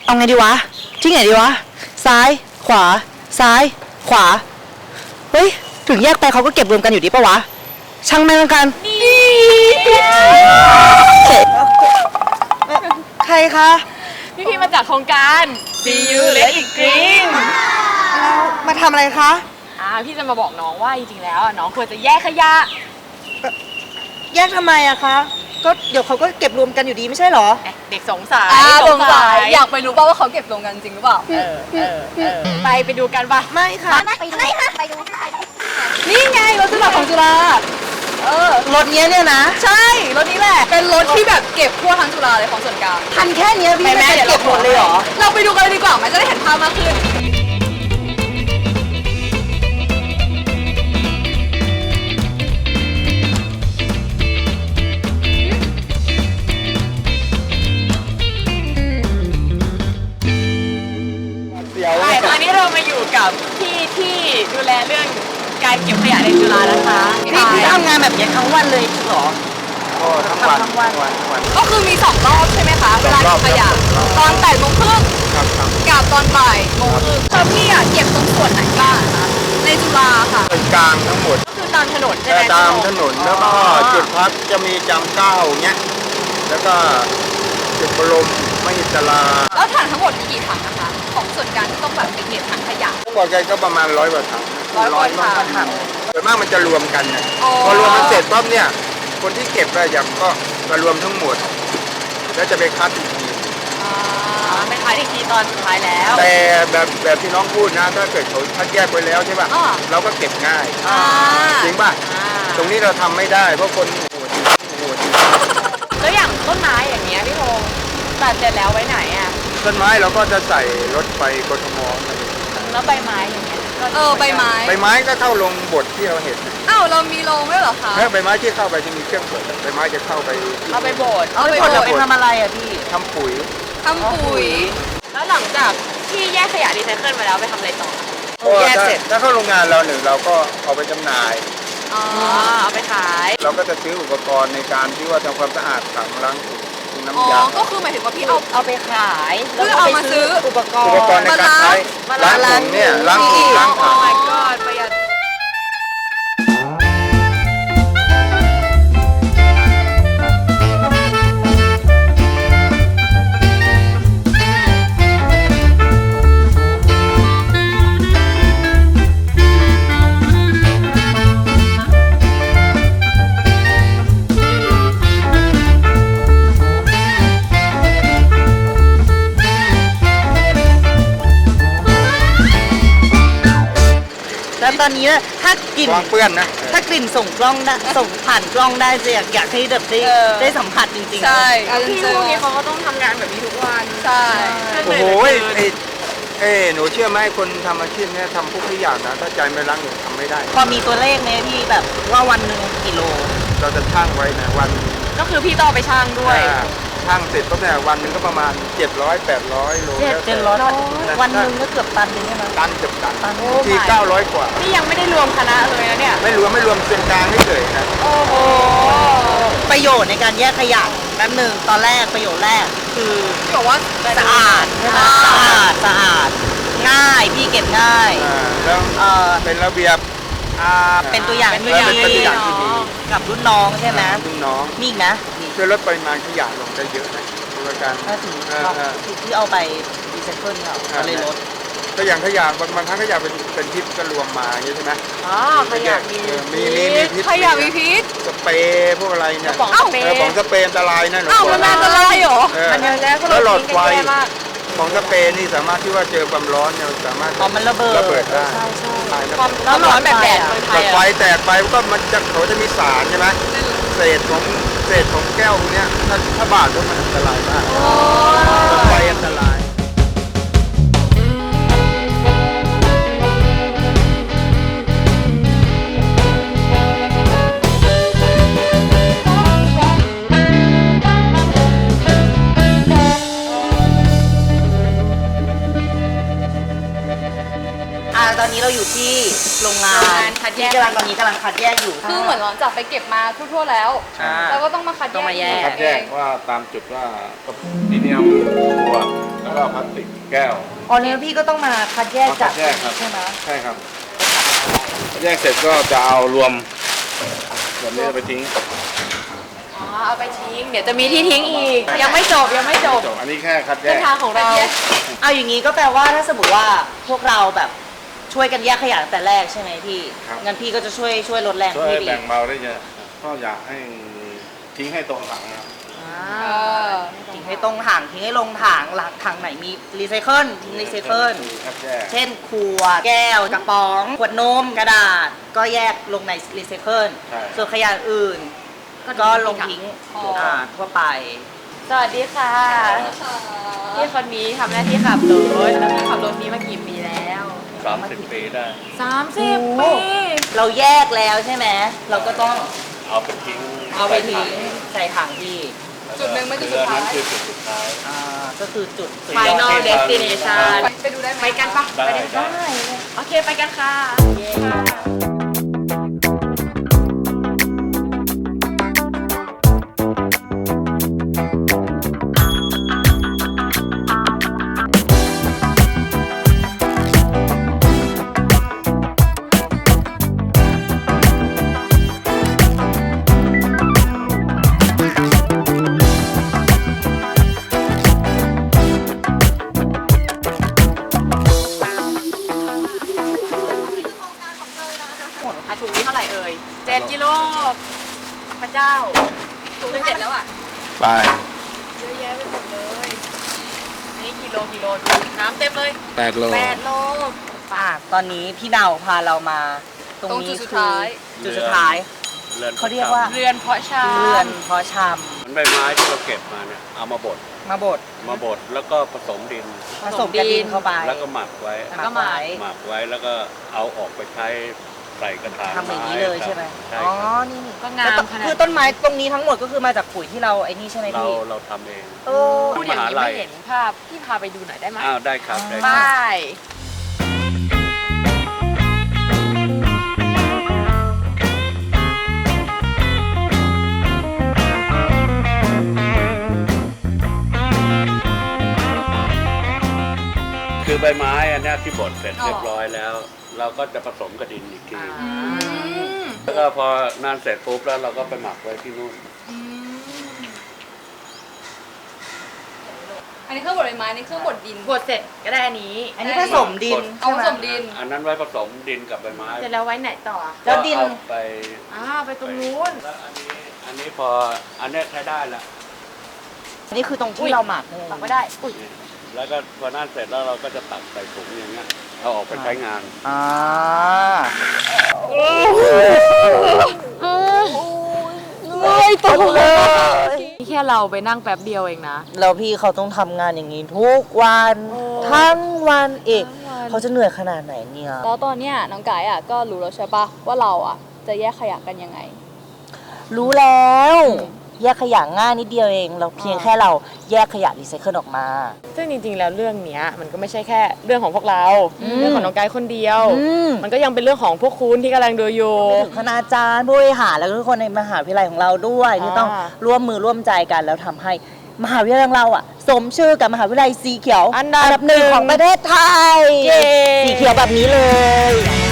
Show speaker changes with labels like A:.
A: เอาไงดีวะที่ไหนดีวะซ้ายขวาซ้ายขวาเฮ้ยถึงแยกไปเขาก็เก็บรวมกันอยู่ดีปะวะช่างแม่งละกันใครคะ
B: พี่มาจากโครงการ See You Let It Green
A: แล้วมาทำอะไรคะ
B: พี่จะมาบอกน้องว่าจริงๆแล้วน้องควรจะแยกขยะ
A: แยกทำไมอะคะก็เดี๋ยวเขาก็เก็บรวมกันอยู่ดีไม่ใช่เหรอ
B: เด็กสงสัย
C: สงสัยอยากไปรู้ป่าว่าเขาเก็บรวมกันจริงหรือเปล่า
B: ไปดูกันป่ะ
A: ไม่ค่ะ
C: ไปดูนี่ไงรถสมัครของจุฬาร
A: ถเนี้ยเนี่ยนะ
C: ใช่รถนี้แหละเป็นรถที่แบบเก็บทั่วทั้งจุฬาเลยของส่วนกลาง
A: ทันแค่เนี้ยพี่
B: ไปแม่
A: ไม่
B: เดี๋ยว
A: เก็บหมดเลยเหรอ
C: เราไปดูกันเลยดีกว่ามันจะได้เห็นภาพมากขึ้น
B: ตอนนี้เรามาอยู่กับพี่ที่ดูแลเรื่องการเก็บขยะในจุฬานะคะ
A: พี่ทำงานแบบเนี้ยทั้งวันเลยเหรอ
D: ก็ทั้งวัน
A: ทั้งวัน
C: ก็คือมี2รอบใช่ไหมคะเวลาเก็บขยะตอน8 โมงครึ่ง
D: ครับครับ
C: กับตอนบ่ายโมงครึ่งพี่อะเก็บตรงส่วนไหนบ้างคะในจุฬาค่ะ
D: เป็นกลางทั้งหมด
B: ก็คือตามถนนใช่ไหม
D: ตามถนนแล้วก็จุดพักจะมีจำเก้าเงี้ยแล้วก็จุดบรมมหิตลา
C: แล้วถังทั้งหมดมีกี่ถังนะคะของส่วนกลางที่ต้องแบบไปเก็บถังขยะ
D: ทั้งหมดกันก็ประมาณ100 กว่าถัง
C: 100 กว่าถัง
D: ส่วนมากมันจะรวมกันนะ
C: อ๋อ
D: พอรวมมันเสร็จปั๊บเนี่ยคนที่เก็บอะอย่างก็มารวมทั้งหมด แล้วจะไปคัดอีกที
B: ไปท้ายอีกทีตอนสุดท้ายแล้ว
D: แต่แบบที่น้องพูดนะถ้าเกิดเขาคัดแยกไว้แล้วใช่ป่ะ
C: อ่า
D: เราก็เก็บง่าย จริงป่ะ ตรงนี้เราทำไม่ได้เพราะคนโหด
B: แล้วอย่างต้นไม้อย่างเงี้ยพี่พงษ์ตัดเสร็จแล้วไว้ไหนอ่ะ
D: ต้นไม้เราก็จะใส่รถไปกทม
B: แล้วใบไม้อย่างเงี้ยก็
C: ใบไม้
D: ใบไม้ก็เข้าลงบทที่เราเห็น
C: อ้าวเรามีโรงด้วยเหรอคะ
D: แล้วใบไม้ที่เข้าไปจะมีเครื่องบดใบไม้จะเข้าไป
B: เอาไปโบด
C: เอาไป
A: คน
C: โบ
A: เรา
C: ด
A: ไปทำอะไรอะพี่
D: ทำปุ๋ย
C: ทำปุ๋ย
B: แล้วหลังจากที่แยกขยะรีไซเคิลมาแล้วไปทำอะไรต่อ
A: แยกเสร็จ
D: ถ้าเข้าโรงงานเราหนึ่งเราก็เอาไปจำหน่าย
C: อ๋อ
B: เอาไปขาย
D: เราก็จะซื้ออุปกรณ์ในการที่ว่าทำความสะอาดถังล้างถุง
C: อ๋
D: น้ำ
C: อย
D: า
C: ก็คือหมายถึงว่าพี่เอา
B: เอาไปขาย
C: เพื่อเอามาซื้อ
B: อุปกร
D: อุป
B: ณ์
D: กรณ์ในการใช้
B: มา
D: ล้างถุงเนี่ยล้างถุงล้าง
B: โอ้
D: ถัง
B: my god ประหยัด
A: แล้วตอนนี้ถ้ากลิ่น
D: วางเปื้อนนะ
A: ถ้ากลิ่นส่งกล้องได้ส่งผ่านกล้องได้จะอยากให้แบบได้สัมผัสจริงๆ
C: ใช่
B: พี่พวกนี้เขาก็ต้องทำงานแบบนี้ทุกวัน
C: ใช่
D: โอ้โหหนูเชื่อไหมคนทำอาชีพเนี้ยทำพวกทุกอย่างนะถ้าใจไม่รักหนูทำไม่ได้
A: พอมีตัวเลขไหมพี่แบบว่าวันหนึ่งกี่โล
D: เราจะชั่งไว้นะวัน
B: ก็คือพี่ต้องเอาไปช่างด้วย
D: ช่างเสร็จปุ๊บเนี่ยวันหนึ่งก็ประมาณ700-800 โลแล้วแต่
A: 700วันหนึ่งก็เกือบตันหนึงใช่ไหม
D: ตันเกือบตัน
A: ตัน
D: ที่900 กว่า
B: นี่ยังไม่ได้รวมคณะเลยนะเนี่ย
D: ไม่รวมเป็นกลางเฉยๆนะ
B: โอ้โห
A: ประโยชน์ในการแยกขยะแป๊บหนึ่งตอนแรกประโยชน์แรกคือ
C: พี่บอกว่า
A: สะอาดใช่ไหมสะอาดง่ายพี่เก็บง่าย
D: แล้ว
A: เอ่อ
D: เป็นระเบียบ
A: เป็นตัวอย่างที่
D: เป็นตัว
A: ดี
D: อย่างที่ดี
A: กับรุ่นน้องใช่ไหม
D: รุ่นน้อง
A: มีอีกนะมี
D: ช่วยลดปริมาณขยะลงได้เยอะนะด้วยกัน
A: ถ้าถึงที่เอาไปรีไซเคิลเขาก็เลยลด
D: ก็อย่างขยะบางครั้งขยะเป็นพิษก็รวมมาอย่างนี้ใช่ไหม
B: อ๋อขยะมี
D: มีพิษ
C: ขยะมีพิษ
D: สเปรย์พวกอะไรเนี่ย
B: กระป๋องสเปรย์
D: ของสเปรย์อันตรายนะหนู
C: อ้าวมันอันตรายเหรอ
B: มันเยอะแยะก็
D: แล้วหลอดไฟ
B: ทิ้งกันแย่มาก
D: ของสเปรย์นี่สามารถที่ว่าเจอความร้อนเนี่ยสามารถ
A: พอมันระเบิด
D: ได้
A: ใช่ใช่
D: ตายนะ
B: ความร้อนแบบแดดเมืองไท
D: หลอย ดไฟ
B: อะ
D: แตกไปก็มันจะเขาจะมีสารใช่ไหมเศษของแก้วพวกเนี้ยถ้าบาดก็มันอันตรายมากหลอดไฟอันตราย
A: อตอนนี้เราอยู่ที่โรงงาน
B: คัดแยก
A: ที่ตอนนี้กำลังคัดแยกอยู่
C: คือเหมือนหลังจากไปเก็บมาทั่วๆแล้ว
D: ใช่
C: เราก็ต้องมาคัด
B: ต้องมาแยก
C: อี
D: คัดแยกว่าตามจุดว่าซีเนียมขวดแล้วก็พลาสติกแก้ว
A: อ๋อเนี่ยพี่ก็ต้องมาคัดแยกจาก
D: คัดแยกครับ
A: ใช่ไหม
D: ใช่ครับคัดแยกเสร็จก็จะเอารวมแบบนี้ไปทิ้ง
B: อ๋อเอาไปทิ้งเดี๋ยวจะมีที่ทิ้งอีก ยังไม่จบยังไม่จบ
D: จบอันนี้แค่คัดแย
B: เส้น
D: ก
B: ทางของเรา
A: เอาอย่างนี้ก็แปลว่าถ้าสมมติว่าพวกเราแบบช่วยกันแยกขยะตั้งแต่แรกใช่ไหมพี่
D: ครับ
A: งั้นพี่ก็จะช่วยลดแรง
D: ช่วย
A: พี่ดี
D: แบ่งเบาได้เยอะก็อยากให้ทิ้งให้ตรงถังนะครับ
C: เออ
A: ทิ้งให้ตรงถังทิ้งให้ลงถังหลังถังไหนมีรีไซเคิลทิ้งรีไซเคิล
D: คัดแยก
A: เช่นขวดแก้วกระป๋องขวดนมกระดาษก็แยกลงในรีไซเคิล
D: ใช่
A: ส่วนขยะอื่นก็ลงทิ้งทั่วไป
B: สวัสดีค่ะพี่คนนี้ทำหน้าที่ขับรถแล้วพี่ขับรถนี้มากี่ปีแล้ว
E: 30 ปีได้
B: 30 ปี
A: เราแยกแล้วใช่ไหมเราก็ต้อง
E: เอาไปทิ้ง
A: เอาไปทิ้งใส่ถังที่
C: จุดหนึ่งไม่จุดสุดท้าย
E: นั้นคือจุดสุดท้าย
A: ก็คือจุดสุดยอด
B: Final Destination
C: ไปดูได้ไหม
B: ไปกันปะ
E: ได้
B: ไปได้
E: ได้
B: ได้โอเคไปกันค่ะ ถุงนี้เท่าไหร่เอ่ย7 กิโลพระเจ้าถุงนึง7แล้วอ่ะ
D: ไป
B: เยอะแยะไปหมดเลยอันนี้กิโลดูน้ำเต็มเลย
D: 8 โล
B: 8 โล
A: ตอนนี้พี่ดาวพาเรามา ตรง
C: ตรง
A: นี้
C: จุดสุด
A: คือ
C: ท้าย
A: จุดสุดท้าย เขาเรียกว่า
B: เรือนเพาะชา
A: เรือนเพาะช
E: มันใบไม้ที่เราเก็บมาเนี่ย เอามาบด
A: ำมาบด
E: แล้วก็ผสมดิน
A: ผสมกระดินเข้าไป
E: แล้วก็หมักไว้
B: แล้วก็หมัก
E: หมักไว้แล้วก็เอาออกไปใช้ใส่กระถาง
A: ทำอย่างนี้เลยใช่ไหม
E: ใช่
A: อ๋อ
E: ครับ
A: นี่
B: ก็งามขนาด
A: คือต้นไม้ตรงนี้ทั้งหมดก็คือมาจากปุ๋ยที่เราไอ้นี่ใช่ไหม
E: เรา
A: พี่
E: เราทำเอง
A: โอ้
B: พูดอย่างนี้
E: มหาลัย
B: ไม่เห็นภาพพี่พาไปดูหน่อยได้ไหม
E: อ้าวได้ครับได้
B: ไป
E: ครับ คือใบไม้อันเนี้ยที่บดเสร็จเรียบร้อยแล้ว เราก็จะผสมกับดินอีกที แล้วก็พอนานเสร็จปุ๊บแล้วเราก็ไปหมักไว้ที่นู่น
C: อันนี้เครื่องบดใบไม้อันนี้เครื่องบดดิน
B: บดเสร็จก็ได้อันนี้
A: อันนี้ผสมดิน
C: เอา
A: ใช่
C: ผ
A: ไหม
C: สมดิน
E: อันนั้นไว้ผสมดินกับใบไม้
B: เสร็จแล้วไว้ไหนต่อ
A: แล้วดิน
E: ก็เอาไป
B: ไปตรงนู้น
E: แล้วอันนี้พออันเนี้ยใช้ได้แล้ว
A: อันนี้คือตรงที่เราหมักเลย
B: ตักไม่ได้อุ้ย
E: แล้วก็พอนั่นเสร็จแล้วเราก็จะตักใส่ถุงอย่างเงี้ยเอาออกไปใช้งาน
A: อ่า
B: ไม่ตกเลยนี่แค่เราไปนั่งแป๊บเดียวเองนะ
A: แล้วพี่เขาต้องทำงานอย่างนี้ทุกวันทั้งวันอีก
B: ทั้งวัน
A: เขาจะเหนื่อยขนาดไหนเนี่ย
C: แล้วตอนเนี้ยน้องไก่อ่ะก็รู้แล้วใช่ปะว่าเราอ่ะจะแยกขยะกันยังไง
A: รู้แล้ว แยกขยะง่ายนิดเดียวเอง เราเพียงแค่เราแยกขยะรีไซเคิลออกมา
B: ซึ่งจริงๆ แล้วเรื่องเนี้ยมันก็ไม่ใช่แค่เรื่องของพวกเรา เรื่องของน้องไกด์คนเดียว มันก็ยังเป็นเรื่องของพวกคุณที่กำลังดูอยู่
A: ถึงคณาจารย์ผู้บริหารแล้วก็ทุกคนในมหาวิทยาลัยของเราด้วยที่ต้องร่วมมือร่วมใจกันแล้วทำให้มหาวิทยาลัยของเราอ่ะ สมชื่อกับมหาวิทยาลัยสีเขียว
B: อันดับ
A: หนึ่งของประเทศไทย
B: เย้
A: สีเขียวแบบนี้เลย